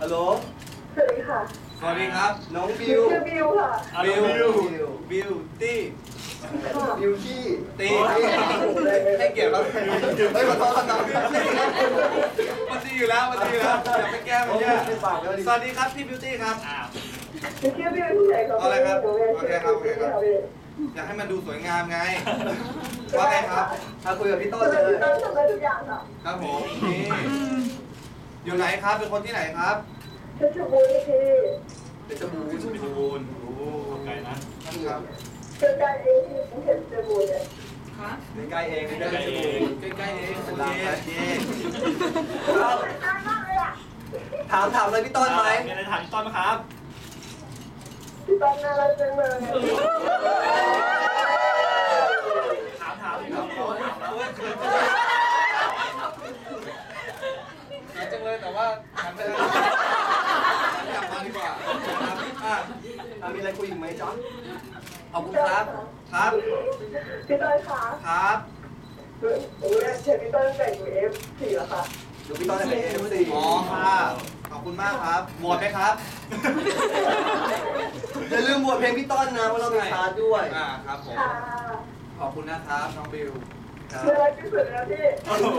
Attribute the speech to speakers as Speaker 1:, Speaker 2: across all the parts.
Speaker 1: ฮัลโหล
Speaker 2: สวัสดีค่ะ
Speaker 3: สวัสดีครับ
Speaker 1: น้องบิว
Speaker 2: บิวค่ะ
Speaker 3: บิวตี้
Speaker 1: บิวที่
Speaker 3: ตีให้เกียรติเรา
Speaker 1: ไม่ขอโทษครับ
Speaker 3: มันดีอยู่แล้วอย่าไปแก้มันเนี่ยสวัสดีครับพี่บิวตี้ครับ
Speaker 2: ชื่อบิวที่ไหนครับ
Speaker 3: อะไรครับโอเคครับอยากให้มันดูสวยงามไงว่าไงครับ
Speaker 1: คุยกับพี่ต้นเลย
Speaker 2: ต้นทำได้ทุกอย่างค่ะ
Speaker 3: ครับผมนี่อยู่ไหนครับเป็นคนที่ไหนครับ
Speaker 2: เพชรบูรณ์ที่
Speaker 1: เป็นจมูก
Speaker 3: โอ้ไกลนะครับ
Speaker 2: ใกล้ๆเองที่เพชรบูรณ์เลย
Speaker 1: ใกล้เองใกล้เอง
Speaker 3: ใกล้เองโอเค
Speaker 1: ถามอะไรพี่ต้นไหม
Speaker 4: มีอะไรถามพี่ต้นไหมครับ
Speaker 2: พี่ต้นน่ารักจังเลย
Speaker 4: ถามพี่ต้น
Speaker 3: เขินจังเลยแต่ว่าหันไปเลยกลับมาดีกว่า
Speaker 1: มีอะไรคุยอีกไหมจ๊ะ
Speaker 3: ขอบคุณครับครับ
Speaker 2: พี่ต้นคะ
Speaker 3: ครับ
Speaker 2: เชิญพี่ต้นแต่งอยู่ F4 แล้วค่ะ
Speaker 1: เดี๋ยวพี่ต้นจะเป็น F4
Speaker 3: อ๋อค่ะขอบคุณมากครับโหวตไหมครับ
Speaker 1: อย่าลืมโหวตเพลงพี่ต้นนะเพราะเรามีชาร์จด้วย
Speaker 3: ครับผมขอบคุณนะครับน้องบิว
Speaker 2: น่ารักที่สุดแล้วพี่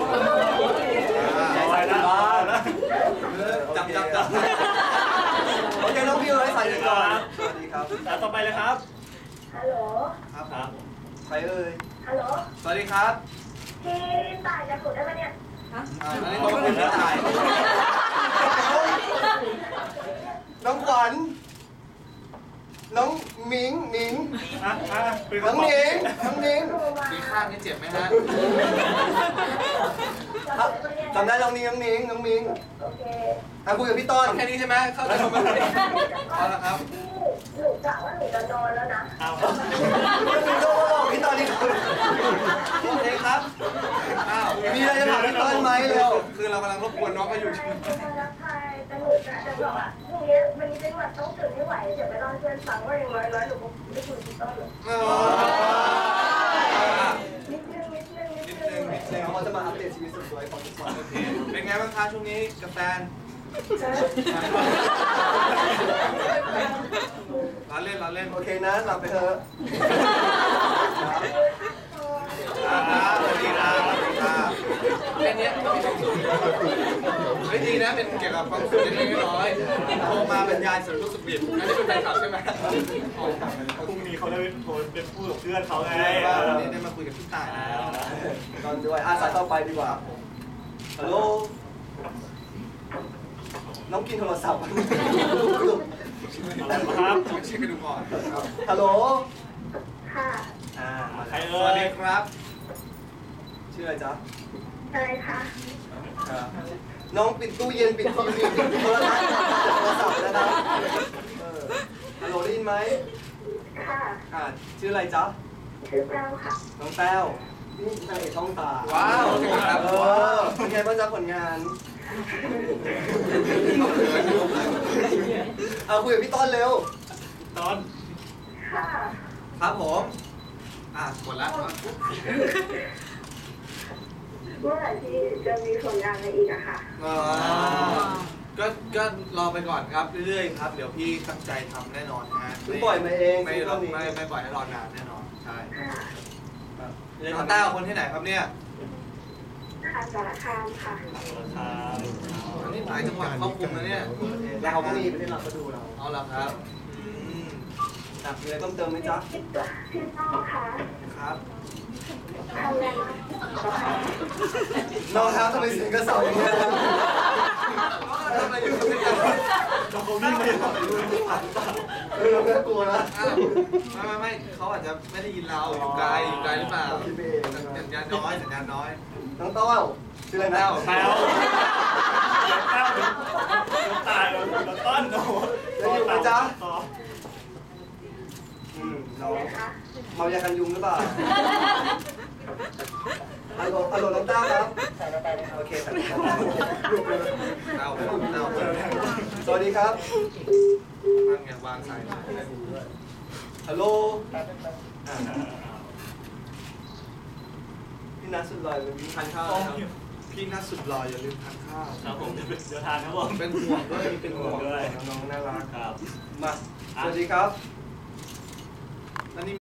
Speaker 4: อะไรนะ
Speaker 3: จับ
Speaker 1: โอเคน้องบิวให้ใส่เลยก่อนสวัสดีครับ
Speaker 4: แล้วต่อไปเลยครับ
Speaker 2: ฮัลโหล
Speaker 4: ครับ
Speaker 1: ใครเอ่ย
Speaker 2: ฮัลโหล
Speaker 3: สวัสดีครับ
Speaker 2: พี่ต่ายจะถูกได้ไหมเนี่ย
Speaker 3: อันนี้ต้องเป็นพี่ต่าย
Speaker 1: น้องขวัญน้องมิงน้องนิง
Speaker 3: มีข้างนี่เจ็บไหมฮะ
Speaker 1: จำได้น้องมิง
Speaker 2: โอเค
Speaker 1: คุยกับพี่ต้น
Speaker 3: แค่นี้ใช่ไหมเข้าใจไหมเอาละครับ
Speaker 2: หนูกะว่าหนูจะนอนแล้วนะ
Speaker 1: พี่ต้นนี่
Speaker 3: โอเคครับ
Speaker 1: มีอะไรจะถามพี่ต้นไหมเร็ว
Speaker 3: คือเรากำลังรบกวนน้องเขาอยู่
Speaker 2: รักใครแต่หนูจะบอกว่าพรุ่งนี้วันนี้เป็นวันต้องตื่นไม่ไหวเดี๋ยวไปนอนเพื่อนฟังว่าอย่างน้อยหนูไม่คุยพี่ต้นหรอกนิดนึง
Speaker 1: เขาจะมาอัปเดตชีวิตสุดสวยของทุกคน
Speaker 3: เป็นไงบ้างคะช่วงนี้กับแฟนเราเล่น
Speaker 1: โอเคนะหลับไปเถอะ
Speaker 3: สวัสดีครับแค่นี้ไม่ดีนะเป็นเกี่ยวกับความสุขเล็กๆน้อยๆโทรมาบรรยายสุดรู้สึกผิดอันนี้เป็นแฟนคลับใช่ไหม
Speaker 4: พรุ่งนี้เขาได้โทรเป็นผู้กับเพื่อนเขาไง
Speaker 3: วันนี้ได้มาคุยกับพี่ต่ายแล้ว
Speaker 1: ตอนด้วยสายต่อไปดีกว่าฮัลโหลน้องกินโทรศัพท์
Speaker 4: ครับ
Speaker 3: เช็คกันดูก่อน
Speaker 1: ฮัลโหล
Speaker 2: ค่ะ
Speaker 4: ใครเอ่
Speaker 3: ยสวัสดีครับ
Speaker 1: ชื่ออะไรจ๊ะ
Speaker 2: อะไรคะ
Speaker 1: น้องปิดตู้เย็นปิดทีวีปิดโทรทัศน์โทรศัพท์นะครับฮัลโหลได้ยินไหม
Speaker 2: ค่ะ
Speaker 1: ชื่ออะไรจ๊ะ
Speaker 2: ชื่อแต้วค่ะ
Speaker 1: น้องแต้วนี่นางเอกช่องตา
Speaker 3: ว้าวครับ
Speaker 1: เป็นไงบ้างจ๊ะผลงานคุยกับพี่ต้นเร็ว
Speaker 4: ต้น
Speaker 2: ค่ะ
Speaker 3: ครับผมหมดแล้ว
Speaker 2: เมื่อไหร่ที่จะมีผลงานอะไรอีกอะค่ะ
Speaker 3: ก็รอไปก่อนครับเรื่อยๆครับเดี๋ยวพี่ตั้งใจทำแน่นอนนะฮะ
Speaker 1: ไม่ปล่อยมาเอง
Speaker 3: ไม่ปล่อยให้รอนานแน่นอนใช่น้องต้าคนที่ไหนครับเนี่ย
Speaker 2: สารคามค่ะ
Speaker 3: นี่หลายจังหวัดครอบคลุมนะเนี่ย
Speaker 1: แล้วเขาก็มีประเทศเราก็ดูเรา
Speaker 3: เอาละครับ
Speaker 1: มีอะไรต้องเติมไหมจ๊ะ
Speaker 2: พี่น้องค่ะ
Speaker 3: ครับ
Speaker 1: น้องครับทำไมเสียงกระเสาอย่างเงี้ย
Speaker 3: ทำไมอยู่ที่นี่
Speaker 4: เขาวิ่งไป
Speaker 1: เราไม่กลัวนะ
Speaker 3: ไม่เขาอาจจะไม่ได้ยินเราอยู่ไกลหรือเปล่าสัญญาณน้อย
Speaker 1: น้องเต้าชื่ออะไรนะ
Speaker 4: แต้วตายแล้วต้นโอ้
Speaker 1: จะอยู่ไหมจ๊ะน้องเมายากันยุงหรือเปล่าฮัลโหลน้องเต้าครับโอเคครับสวัสดีครับ
Speaker 3: วางสาย
Speaker 1: ฮัลโหลพี่นัทสุดลอยเป็นทานข้าวครับ
Speaker 3: พี่นัทสุดหล่ออย่าลืมทานข้าว
Speaker 4: ครับผมเดี๋ยวทานครับผม
Speaker 3: เป็นห่วงด้วยเป็นห่วง
Speaker 4: ด้วย
Speaker 3: น้องๆน่ารัก
Speaker 4: ครับ
Speaker 3: มาสวัสดีครับ